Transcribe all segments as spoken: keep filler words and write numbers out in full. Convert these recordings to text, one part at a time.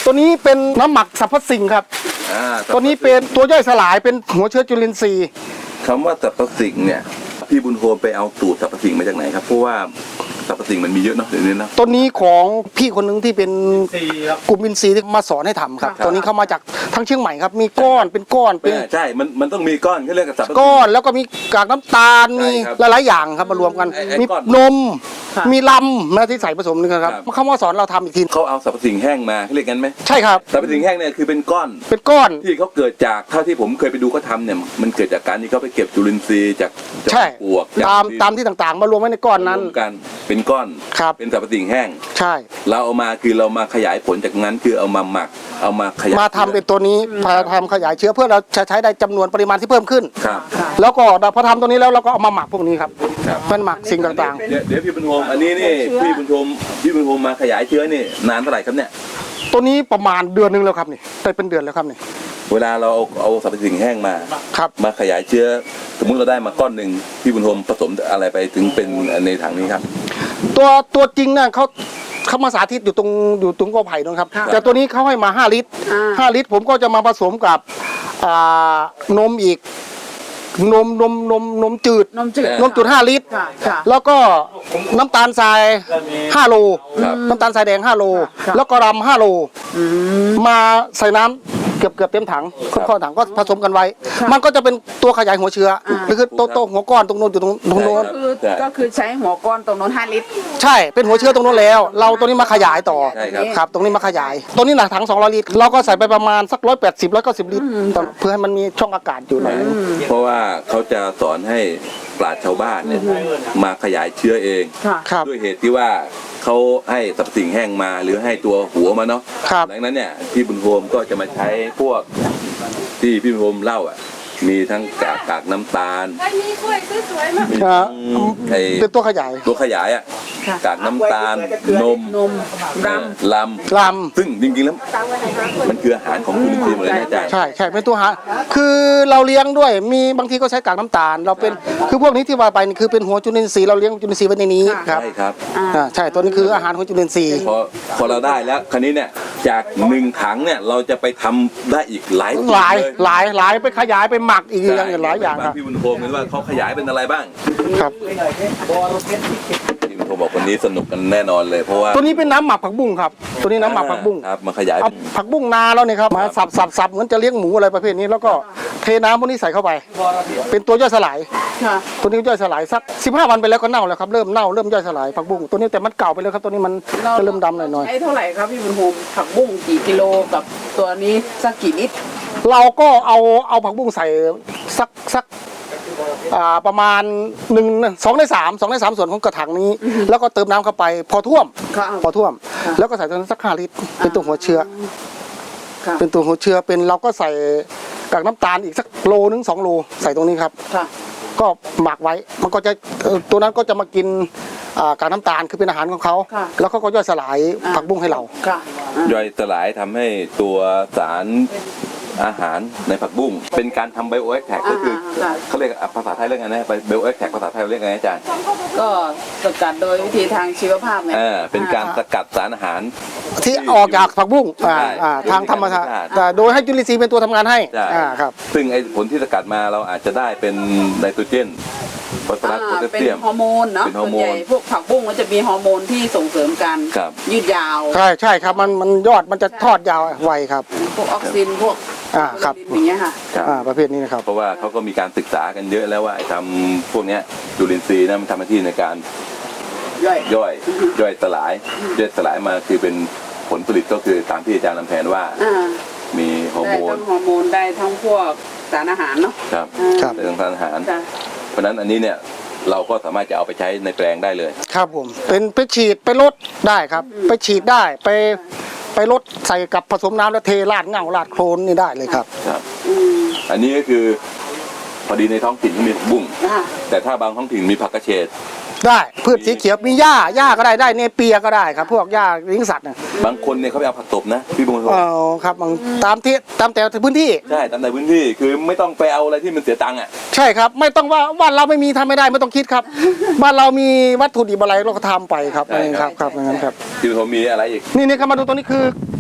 ตัวนี้เป็นน้ำหมักสรรพสิ่งครับตัวนี้เป็นตัวย่อยสลายเป็นหัวเชื้อจุลินทรีย์คำว่าสรรพสิ่งเนี่ยพี่บุญโฮมไปเอาสูตรสรรพสิ่งมาจากไหนครับเพราะว่าสรรพสิ่งมันมีเยอะเนาะเดี๋ยวนี้นะตัวนี้ของพี่คนหนึ่งที่เป็นกลุ่มอินทรีย์ที่มาสอนให้ทำครับตัวนี้เข้ามาจากทั้งเชียงใหม่ครับมีก้อนเป็นก้อนเป็นใช่มันมันต้องมีก้อนเขาเรียกสรรพสิ่งก้อนแล้วก็มีกากน้ำตาลมีหลายๆอย่างครับมารวมกันมีนมมีลำนะที่ใส่ผสมนึงครับเขามาสอนเราทำอีกทีเขาเอาสรรพสิ่งแห้งมาเขาเรียกกันไหมใช่ครับสรรพสิ่งแห้งเนี่ยคือเป็นก้อนเป็นก้อนที่เขาเกิดจากเท่าที่ผมเคยไปดูเขาทำเนี่ยมันเกิดจากการที่เขาไปเก็บจุลินทรีย์จากปลวกตามตามที่ต่างๆมารวมไว้ในก้อนนั้นกันเป็นก้อนเป็นสรรพสิ่งแห้งใช่เราเอามาคือเรามาขยายผลจากนั้นคือเอามาหมักเอามาขยายมาทำเป็นตัวนี้พาทำขยายเชื้อเพื่อเราจะใช้ได้จำนวนปริมาณที่เพิ่มขึ้นครับแล้วก็พอทำตัวนี้แล้วเราก็เอามาหมักพวกนี้ครับมันหมักสิ่งต่างๆเดี๋ยวพี่บุญโฮมอันนี้นี่พี่บุญโฮมพี่บุญโฮมมาขยายเชื้อนี่นานเท่าไหร่ครับเนี่ยตัวนี้ประมาณเดือนนึงแล้วครับนี่ได้เป็นเดือนแล้วครับนี่เวลาเราเอาเอาสรรพสิ่งแห้งมาครับมาขยายเชื้อสมมุติเราได้มาก้อนหนึ่งพี่บุญโฮมผสมอะไรไปถึงเป็นในถังนี้ครับตัวตัวจริงน่ะเขาเขามาสาธิตอยู่ตรงอยู่ตรงกอไผ่นะครับแต่ตัวนี้เขาให้มาห้าลิตรห้าลิตรผมก็จะมาผสมกับนมอีกนมนมนมนมจืดนมจืดนมจืดห้าลิตรแล้วก็น้ำตาลทรายห้าโลน้ำตาลทรายแดงห้าโลแล้วก็รำห้าโลมาใส่น้ำเกือบเกือบเต็มถังข้อถังก็ผสมกันไว้มันก็จะเป็นตัวขยายหัวเชื้อคือโตโตหัวก้อนตรงโน้นอยู่ตรงตรงโน้นก็คือใช้หัวก้อนตรงโน้นห้าลิตรใช่เป็นหัวเชื้อตรงโน้นแล้วเราตัวนี้มาขยายต่อครับตรงนี้มาขยายตัวนี้หนักถังสองร้อยลิตรเราก็ใส่ไปประมาณสักร้อยแปดสิบร้อยเก้าสิบลิตรเพื่อให้มันมีช่องอากาศอยู่หน่อยเพราะว่าเขาจะสอนให้ปราชญ์ชาวบ้านเนี่ยมาขยายเชื้อเองด้วยเหตุที่ว่าเขาให้สรรพสิ่งแห้งมาหรือให้ตัวหัวมาเนาะดังนั้นเนี่ยพี่บุญโฮมก็จะมาใช้พวกที่พี่บุญโฮมเล่าอ่ะมีทั้งกากกากน้ำตาลเป็นตัวขยายตัวขยายอ่ะกากน้ำตาลนมนมลำลำลำซึ่งจริงๆแล้วมันคืออาหารของจุลินทรีย์หมดเลยนะอาจารย์ใช่ใช่เป็นตัวอาหารคือเราเลี้ยงด้วยมีบางทีก็ใช้กากน้ำตาลเราเป็นคือพวกนี้ที่ว่าไปนี่คือเป็นหัวจุลินทรีย์เราเลี้ยงจุลินทรีย์ไว้ในนี้ครับใช่ครับอ่าใช่ตัวนี้คืออาหารของจุลินทรีย์พอพอเราได้แล้วคราวนี้เนี่ยจากหนึ่งถังเนี่ยเราจะไปทำได้อีกหลายหลายหลายหลายไปขยายไปหมักอีกอย่างหลายอย่างครับพี่บุญโฮมเห็นว่าเขาขยายเป็นอะไรบ้างครับพี่บุญโฮมบอกวันนี้สนุกกันแน่นอนเลยเพราะว่าตัวนี้เป็นน้ำหมักผักบุ้งครับตัวนี้น้ำหมักผักบุ้งครับมาขยายผักบุ้งนาแล้วเนี่ยครับมาสับสับสับเหมือนจะเลี้ยงหมูอะไรประเภทนี้แล้วก็เทน้ำพวกนี้ใส่เข้าไปเป็นตัวย่อยสลายตัวนี้ย่อยสลายสักสิบห้าวันไปแล้วก็เน่าแล้วครับเริ่มเน่าเริ่มย่อยสลายผักบุ้งตัวนี้แต่มันเก่าไปแล้วครับตัวนี้มันจะเริ่มดำหน่อยๆใช้เท่าไหร่ครับพี่บุญโฮมผักบุ้งกี่กิโลกับตัวนี้สักกี่ลิตรเราก็เอาเอาผักบุ้งใส่สักสักประมาณหนึ่งสองในสามสองในสามส่วนของกระถางนี้แล้วก็เติมน้ำเข้าไปพอท่วมพอท่วมแล้วก็ใส่ตัวนั้นสักห้าลิตรเป็นตัวหัวเชื้อเป็นตัวหัวเชื้อเป็นเราก็ใส่กากน้ำตาลอีกสักโลนึงสองโลใส่ตรงนี้ครับก็หมักไว้มันก็จะตัวนั้นก็จะมากินกากน้ำตาลคือเป็นอาหารของเขาแล้วเขาก็ย่อยสลายผักบุ้งให้เราย่อยสลายทำให้ตัวสารอาหารในผักบุ้งเป็นการทำไบโอแอคแท็กก็คือเขาเรียกภาษาไทยเรียกไงนะไบโอแอคแท็กภาษาไทยเรียกไงอาจารย์ก็สกัดโดยวิธีทางชีวภาพไงอ่าเป็นการสกัดสารอาหารที่ออกจากผักบุ้งทางธรรมชาติโดยให้จุลินทรีย์เป็นตัวทำงานให้ครับซึ่งไอ้ผลที่สกัดมาเราอาจจะได้เป็นไนโตรเจนฟอสฟอรัสโพแทสเซียมเป็นฮอร์โมนเนาะส่วนใหญ่พวกผักบุ้งมันจะมีฮอร์โมนที่ส่งเสริมการยืดยาวใช่ใช่ครับมันมันยอดมันจะทอดยาวไวครับพวกออกซินพวกอ่าครับอย่างเงี้ยค่ะอ่าประเภทนี้นะครับเพราะว่าเขาก็มีการศึกษากันเยอะแล้วว่าทำพวกนี้จุลินทรีย์นะมันทำหน้าที่ในการย่อยย่อยย่อยสลายย่อยสลายมาคือเป็นผลผลิตก็คือตามที่อาจารย์ลำแพนว่ามีฮอร์โมนได้ทั้งฮอร์โมนได้ทั้งพวกสารอาหารเนาะครับได้ทั้งสารอาหารเพราะนั้นอันนี้เนี่ยเราก็สามารถจะเอาไปใช้ในแปลงได้เลยครับผมเป็นไปฉีดไปลดได้ครับไปฉีดได้ไปไปลดใส่กับผสมน้ำแล้วเทราดเงาราดโคลนนี่ได้เลยครับครับอันนี้ก็คือพอดีในท้องถิ่นมีผักบุ้งแต่ถ้าบางท้องถิ่นมีผักกระเฉดได้พืชสีเขียวมีหญ้าหญ้าก็ได้ได้เนเปียก็ได้ครับพวกหญ้าเลี้ยงสัตว์บางคนเนี่ยเขาไปเอาผักตบนะพี่บุญโฮมอ๋อครับบางตามที่ตามแต่พื้นที่ใช่ตามแต่พื้นที่คือไม่ต้องไปเอาอะไรที่มันเสียตังค์อ่ะใช่ครับไม่ต้องว่าบ้านเราไม่มีทำไม่ได้ไม่ต้องคิดครับบ้านเรามีวัตถุดิบอะไรเราก็ทำไปครับเองครับครับอย่างนั้นครับพี่บุญโฮมมีอะไรอีกนี่นี่ครับมาดูตัวนี้คือ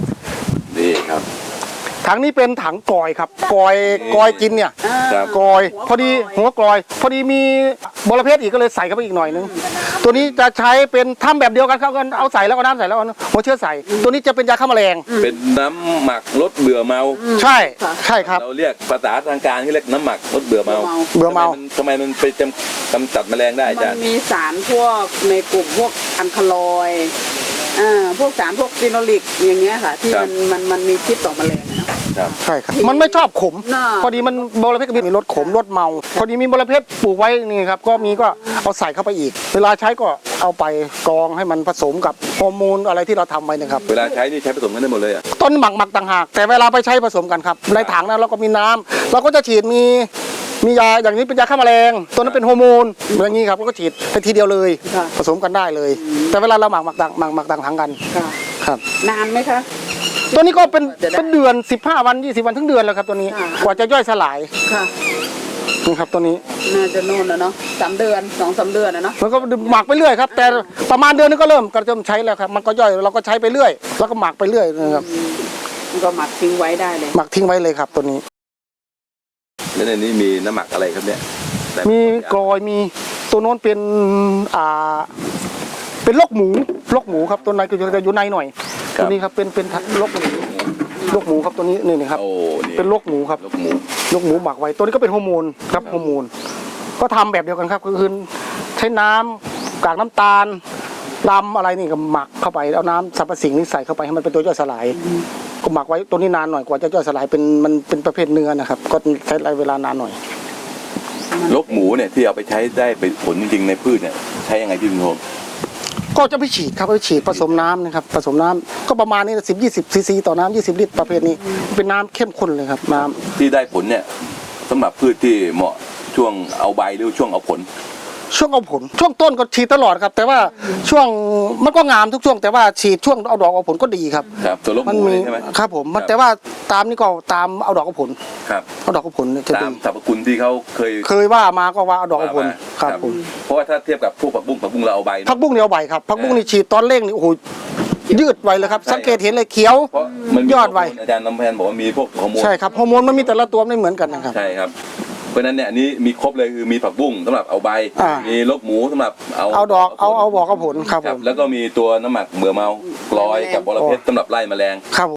นี่ครับถังนี้เป็นถังกอยครับกอยกอยกินเนี่ยครับกอยพอดีหัวกลอย พอดีมีบอระเพ็ดอีกก็เลยใส่เข้าไปอีกหน่อยนึงตัวนี้จะใช้เป็นทำแบบเดียวกันครับกันเอาใส่แล้วก็น้ำใส่แล้วก็หัวเชื้อใส่ตัวนี้จะเป็นยาฆ่าแมลงเป็นน้ำหมักลดเบื่อเมาใช่ใช่ครับเราเรียกภาษาทางการที่เรียกน้ำหมักลดเบื่อเมาเบื่อเมาทำไมมันไปจำกำจัดแมลงได้อามัจารนย์มีสารพวกในกลุ่มพวกอันคาลอยด์อ่าพวกสารพวกฟีโนลิกอย่างเงี้ยค่ะ ที่มันมันมันมีพิษต่อแมลงนะครับใช่ครับมันไม่ชอบขมน่าพอดีมันบอระเพ็ดก็มีรสขมรสเมา พอดีมีบอระเพ็ดปลูกไว้นี่ครับก็มีก็เอาใส่เข้าไปอีก เวลาใช้ก็เอาไปกรองให้มันผสมกับฮอร์โมนอะไรที่เราทำไว้นะครับเวลาใช้นี่ใช้ผสมกันได้หมดเลยอ่ะต้นหมักหมักต่างหากแต่เวลาไปใช้ผสมกันครับในถังนั้นเราก็มีน้ำเราก็จะฉีดมีมียาอย่างนี้เป็นยาฆ่าแมลงตัวนั้นเป็นฮอร์โมนอย่างนี้ครับเราก็ฉีดไปทีเดียวเลยค่ะผสมกันได้เลย แต่เวลาเราหมักหมักต่างหมักหมักต่างถังกันค่ะครับนานไหมคะตัวนี้ก็เป็นจะได้เป็นเดือนสิบห้าวันยี่สิบวันถึงเดือนแล้วครับตัวนี้ค่ะกว่าจะย่อยสลายค่ะนี่ครับตัวนี้น่าจะโน่นแล้วเนาะสามเดือนสองสามเดือนนะเนาะแล้วก็หมักไปเรื่อยครับแต่ประมาณเดือนนึงก็เริ่มก็เริ่มใช้แล้วครับมันก็ย่อยเราก็ใช้ไปเรื่อยแล้วก็หมักไปเรื่อยนะครับมันก็หมักทิ้งไว้ได้เลยหมักทิ้งไว้เลยครับตัวนี้แล้วในนี้มีน้ำหมักอะไรครับเนี่ยแต่มีกรอยมีตัวโน้นเป็นอ่าเป็นลกหมูลกหมูครับตัวในก็จะอยู่ในหน่อยตัวนี้ครับเป็นเป็นลกหมูลกหมูครับตัวนี้นี่นะครับโอ้นี่เป็นลกหมูครับลูกหมูลกหมูหมักไว้ตัวนี้ก็เป็นฮอร์โมนครับฮอร์โมนก็ทำแบบเดียวกันครับก็คือใช้น้ำกากน้ำตาลลำอะไรนี่ก็หมักเข้าไปเอาน้ำสรรพสิ่งนี้ใส่เข้าไปให้มันเป็นตัวย่อยสลายก็หมักไว้ตัวนี้นานหน่อยกว่าจะย่อยสลายเป็นมันเป็นประเภทเนื้อนะครับก็ใช้เวลานานหน่อยลูกหมูเนี่ยที่เอาไปใช้ได้เป็นผลจริงๆในพืชเนี่ยใช้ยังไงพี่บุญโฮมก็จะไปฉีดครับไปฉีดผสมน้ำนะครับผสมน้ำก็ประมาณนี้สิบยี่สิบซีซีต่อน้ำยี่สิบลิตรประเภทนี้เป็นน้ำเข้มข้นเลยครับน้ำที่ได้ผลเนี่ยสำหรับพืชที่เหมาะช่วงเอาใบหรือช่วงเอาผลช่วงเอาผลช่วงต้นก็ฉีดตลอดครับแต่ว่าช่วงมันก็งามทุกช่วงแต่ว่าฉีดช่วงเอาดอกเอาผลก็ดีครับครับตัวลูกหมันมูมีเลยใช่ไหมครับผมมันครับแต่ว่าตามนี่ก็ตามเอาดอกเอาผลครับเอาดอกเอาผลเนี่ยจะตาดีมสรรพคุณที่เขาเคยเคยว่ามาก็ว่าเอาดอกเอาผลว่ามาครับผมเพราะว่าถ้าเทียบกับพวกผักบุ้งผักบุ้งเราเอาใบพัเนาะกบุ้งเนี่ยเอาใบครับพักบุ้งนี่ฉีดตอนเร่งนี่โอ้โหยืดไวเลยครับใช่สังเกตเห็นเลยเขียวเพราะมันมียอดไวฮร์โมนอาจารย์น้ำแพนบอกว่ามีพวกฮอร์โมนใช่ครับฮอร์โมนมันมีแต่ละตัวไม่เหมือนกันนะครับใช่ครับเพราะฉะนั้นเนี่ยอันนี้มีครบเลยคือมีผักบุ้งสำหรับเอาใบอ่ามีมีลูกหมูสำหรับเอาเอาดอกเอาเอาบอกเอาผลครับคผรับมแล้วก็มีตัวน้ำหมักเบื่อเมากลอยกับบอระเพ็ดสำหรับไล่แมลงครับ